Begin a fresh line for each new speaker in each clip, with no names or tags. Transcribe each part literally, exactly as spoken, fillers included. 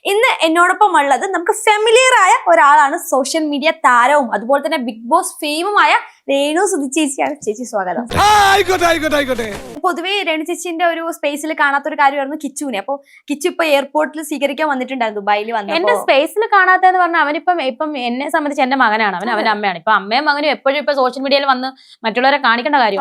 ഇന്ന് എന്നോടൊപ്പം ഉള്ളത് നമുക്ക് ഫെമിലിയർ ആയ ഒരാളാണ്, സോഷ്യൽ മീഡിയ താരവും അതുപോലെ തന്നെ ബിഗ് ബോസ് ഫെയിമുമായ രേണു സുധി ചേച്ചിയാണ്. ചേച്ചി സ്വാഗതം. പൊതുവേ രേണു ചേച്ചിന്റെ ഒരു സ്പേസിൽ കാണാത്ത ഒരു കാര്യമായിരുന്നു കിച്ചുവിനെ. അപ്പൊ കിച്ചു ഇപ്പൊ എയർപോർട്ടിൽ സ്വീകരിക്കാൻ വന്നിട്ടുണ്ടായിരുന്നു, ദുബായിൽ വന്നു.
എന്റെ സ്പേസിൽ കാണാത്തെന്ന് പറഞ്ഞാൽ അവനിപ്പം ഇപ്പം എന്നെ സംബന്ധിച്ച് എന്റെ മകനാണ്, അവൻ അവന്റെ അമ്മയാണ്. ഇപ്പൊ അമ്മയും മകനും എപ്പോഴും ഇപ്പൊ സോഷ്യൽ മീഡിയയിൽ വന്ന് മറ്റുള്ളവരെ കാണിക്കേണ്ട കാര്യം.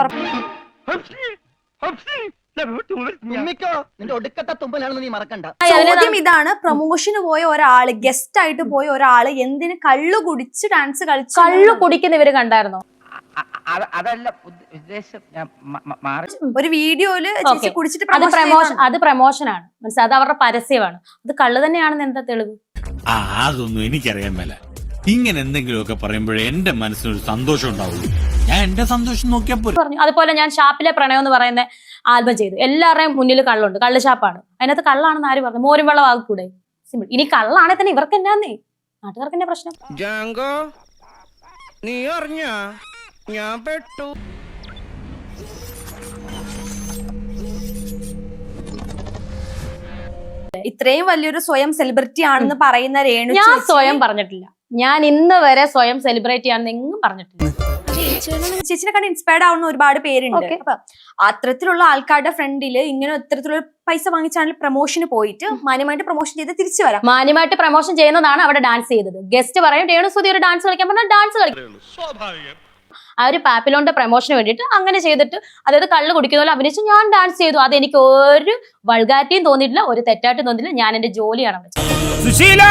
ചോദ്യം ഇതാണ്, പ്രൊമോഷന് പോയ ഒരാള്, ഗസ്റ്റ് ആയിട്ട് പോയ ഒരാള് എന്തിന് കള്ളു കുടിച്ച് ഡാൻസ് കളിച്ചു?
കള്ളു കുടിക്കുന്ന ഇവര് കണ്ടായിരുന്നോ?
അതല്ല ഉദ്ദേശം.
ഒരു വീഡിയോയില് കുടിച്ചിട്ട്
അത് പ്രമോഷൻ അത് പ്രമോഷനാണ്, മനസ്സിലായി? അത് അവരുടെ പരസ്യമാണ്. അത് കള്ളു തന്നെയാണെന്ന് എന്താ തെളിവ്?
ആ അതൊന്നും എനിക്കറിയാൻ മേല. ഇങ്ങനെ എന്തെങ്കിലുമൊക്കെ പറയുമ്പോഴേ എന്റെ മനസ്സിനൊരു സന്തോഷം ഉണ്ടാവുള്ളൂ. ഞാൻ എന്റെ സന്തോഷം നോക്കിയാ
പറഞ്ഞു. അതുപോലെ ഞാൻ ഷാപ്പിലെ പ്രണയം എന്ന് പറയുന്ന ആൽബം ചെയ്തു. എല്ലാവരുടെയും മുന്നിൽ കള്ളുണ്ട്, കള്ള് ഷാപ്പാണ്. അതിനകത്ത് കള്ളാണെന്ന് ആര് പറഞ്ഞു? മോരും വെള്ളം ആകൂടെ? സിമ്പിൾ. ഇനി കള്ളാണെ തന്നെ ഇവർക്ക് എന്നാന്നേ, നാട്ടുകാർക്ക് എന്നാ പ്രശ്നം?
നീ അറിഞ്ഞ ഞാൻ പെട്ടു.
ഇത്രയും വലിയൊരു സ്വയം സെലിബ്രിറ്റി ആണെന്ന് പറയുന്ന രേണു
ഞാൻ സ്വയം പറഞ്ഞിട്ടില്ല. ഞാൻ ഇന്ന് വരെ സ്വയം സെലിബ്രേറ്റ് ചെയ്യാന്ന് എങ്ങും പറഞ്ഞിട്ടില്ല.
ചേച്ചിനെ കണ്ട് ഇൻസ്പയർഡ് ആവുന്ന ഒരുപാട് പേരുണ്ട്. അപ്പൊ അത്തരത്തിലുള്ള ആൾക്കാരുടെ ഫ്രണ്ടില് ഇങ്ങനെ ഇത്തരത്തിലുള്ള പൈസ വാങ്ങിച്ചാണെങ്കിൽ പ്രൊമോഷന് പോയിട്ട് മാന്യമായിട്ട് പ്രൊമോഷൻ ചെയ്ത് തിരിച്ചു വരാം.
മാന്യമായിട്ട് പ്രൊമോഷൻ ചെയ്യുന്നതാണ് അവിടെ ഡാൻസ് ചെയ്തത്. ഗസ്റ്റ് പറയും രേണു സുധി ഒരു ഡാൻസ് കളിക്കാൻ പറഞ്ഞാൽ ഡാൻസ് കളിക്കും. ആ ഒരു പാപ്പിലോന്റെ പ്രൊമോഷന് വേണ്ടിയിട്ട് അങ്ങനെ ചെയ്തിട്ട്, അതായത് കള്ള് കുടിക്കുന്ന പോലെ അഭിനയിച്ച് ഞാൻ ഡാൻസ് ചെയ്തു. അത് എനിക്ക് ഒരു വൾഗാരിറ്റിയും തോന്നിയിട്ടില്ല, ഒരു തെറ്റായിട്ടും തോന്നിയില്ല. ഞാൻ എന്റെ ജോലിയാണ് അവിടെ ചെയ്തത്.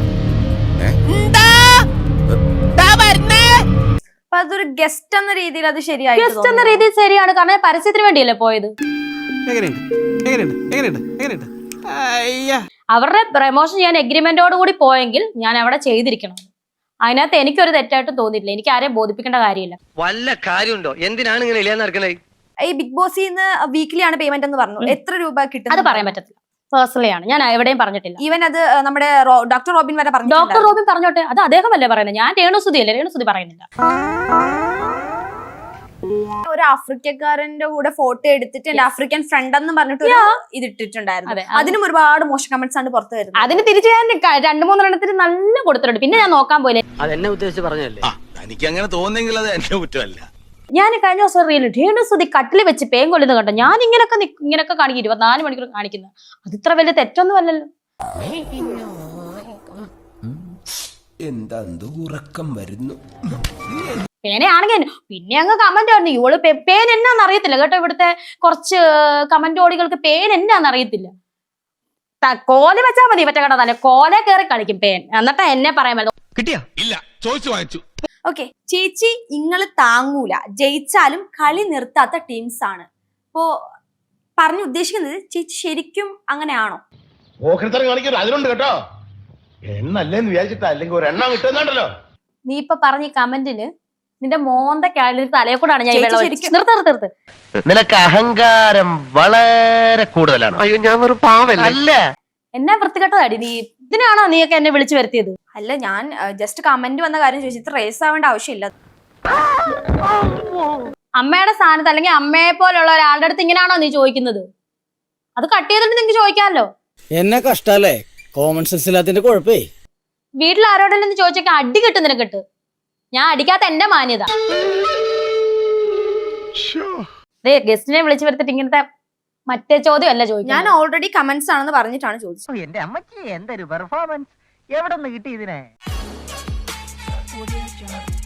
അതൊരു ഗസ്റ്റ് എന്ന രീതിയിൽ അത് ശരിയായി.
ഗസ്റ്റ് എന്ന രീതിയിൽ ശരിയാണ്, കാരണം പരസ്യത്തിന് വേണ്ടിയല്ലേ പോയത്. അവരുടെ പ്രൊമോഷൻ ചെയ്യാൻ എഗ്രിമെന്റോട് കൂടി പോയെങ്കിൽ ഞാൻ അവിടെ ചെയ്തിരിക്കണം. അതിനകത്ത് എനിക്കൊരു തെറ്റായിട്ടും തോന്നിയിട്ടില്ല. എനിക്ക് ആരെയും ബോധിപ്പിക്കേണ്ട കാര്യമില്ല.
വല്ല കാര്യമുണ്ടോ? എന്തിനാണ് ഇങ്ങനെ ഇല്ലാന്ന് നടക്കണേ?
ഈ ബിഗ് ബോസിൽ നിന്ന് വീക്ക്ലി ആണ് പേയ്മെന്റ് എന്ന് പറഞ്ഞു. എത്ര രൂപ കിട്ടും?
അത് പറയാൻ പറ്റത്തില്ല. പേഴ്സണലി ആണ്, ഞാൻ എവിടെയും പറഞ്ഞിട്ടില്ല.
ഈവൻ അത് നമ്മുടെ ഡോക്ടർ റോബിൻ വരെ പറഞ്ഞു.
ഡോക്ടർ റോബിൻ പറഞ്ഞോട്ടെ, അത് അദ്ദേഹമല്ലേ പറയുന്നത്, ഞാൻ രേണു സുധി അല്ലേ. രേണു സുധി പറയുന്നില്ല.
ഒരു ആഫ്രിക്കക്കാരന്റെ കൂടെ ഫോട്ടോ എടുത്തിട്ട് എന്റെ ആഫ്രിക്കൻ ഫ്രണ്ട് എന്ന് പറഞ്ഞിട്ട് ഇത് ഇട്ടിട്ടുണ്ടായിരുന്നു. അതിനും ഒരുപാട് മോശം കമന്റ്സ് ആണ് പുറത്തു വരുന്നത്.
അതിന് തിരിച്ചു ഞാൻ രണ്ടു മൂന്നെണ്ണത്തിന് നല്ല കൊടുത്തിട്ടുണ്ട്. പിന്നെ ഞാൻ നോക്കാൻ പോലെ
അതെന്നെ ഉദ്ദേശിച്ച് പറഞ്ഞല്ലേ.
എനിക്ക് അങ്ങനെ തോന്നുന്നെങ്കിൽ അത് എന്റെ കുറ്റമല്ല.
ഞാൻ കഴിഞ്ഞ ദിവസം റീൽ രേണു സുധി കട്ടിൽ വെച്ച് പേൻ കൊല്ലുന്നത് കണ്ടോ? ഞാൻ ഇങ്ങനൊക്കെ ഇങ്ങനൊക്കെ കാണിക്കും, ഇരുപത്തിനാല് മണിക്കൂർ കാണിക്കുന്നത്. അത് ഇത്ര വലിയ തെറ്റൊന്നും അല്ലല്ലോ.
എന്താ ഉറക്കം വരുന്നു.
പേനയാണെങ്കിൽ പിന്നെ അങ്ങ് കമന്റ് ആയിരുന്നു, ഇവള് പേൻ എന്നാന്ന് അറിയത്തില്ല കേട്ടോ. ഇവിടുത്തെ കുറച്ച് കമന്റ് ഓടികൾക്ക് പേൻ എന്നാന്ന് അറിയത്തില്ല. കോല വെച്ചാൽ മതി, മറ്റേ കട തന്നെ കോല കയറി കളിക്കും പേൻ. എന്നിട്ട് എന്നെ പറയാൻ പറ്റും.
കിട്ടിയാ
ഇല്ല, ചോദിച്ചു വാങ്ങിച്ചു.
ഓക്കെ ചേച്ചി, ഇങ്ങള് താങ്ങൂല, ജയിച്ചാലും കളി നിർത്താത്ത ടീംസ് ആണ്. ഇപ്പോ പറഞ്ഞു ഉദ്ദേശിക്കുന്നത് ചേച്ചി ശരിക്കും അങ്ങനെയാണോ?
അതിലുണ്ട് കേട്ടോ, എണ്ണല്ലേന്ന് വിചാരിച്ചിട്ടാ, അല്ലെങ്കിൽ ഒരു എണ്ണം കിട്ടുന്നുണ്ടല്ലോ.
നീ ഇപ്പൊ പറഞ്ഞ കമന്റിന് നിന്റെ മോന്തക്കാലിൽ തലയെ കൂടാണ് ഞാൻ നിർത്ത്.
നിനക്ക് അഹങ്കാരം വളരെ കൂടുതലാണ്. അയ്യോ, ഞാൻ ഒരു പാവല്ല.
എന്നാ വൃത്തികെട്ടതാടി നീ. ഇതിനാണോ നീയൊക്കെ എന്നെ വിളിച്ചു വരുത്തിയത്?
അല്ല, ഞാൻ ജസ്റ്റ് കമന്റ് വന്ന കാര്യം ചോദിച്ചു. ഇത്ര റേസ് ആവേണ്ട ആവശ്യമില്ല.
അമ്മയുടെ സ്ഥാനത്ത് അല്ലെങ്കിൽ അമ്മയെ പോലുള്ള ഒരാളുടെ അടുത്ത് ഇങ്ങനെയാണോ നീ ചോദിക്കുന്നത്? അത് കട്ട് ചെയ്തിട്ട് നിങ്ങക്ക് ചോദിക്കാമല്ലോ.
എന്നെ കഷ്ടല്ലേ, കോമൺ സെൻസ് ഇല്ലാത്തതിന്റെ കുഴപ്പേ.
വീട്ടിൽ ആരോടെങ്കിലും ചോദിച്ചൊക്കെ അടി കിട്ടും നിനക്കിട്ട്. ഞാൻ അടിക്കാത്ത എന്റെ മാന്യത. ഗസ്റ്റിനെ വിളിച്ചു വരുത്തിട്ട് ഇങ്ങനത്തെ മറ്റേ ചോദ്യം അല്ല ചോദിക്കും.
ഞാൻ ഓൾറെഡി കമന്റ്സ് ആണെന്ന് പറഞ്ഞിട്ടാണ് ചോദിച്ചത്.
എന്റെ അമ്മക്ക് എന്തൊരു പെർഫോമൻസ്, എവിടെ നിന്ന് കിട്ടി ഇതിനെ?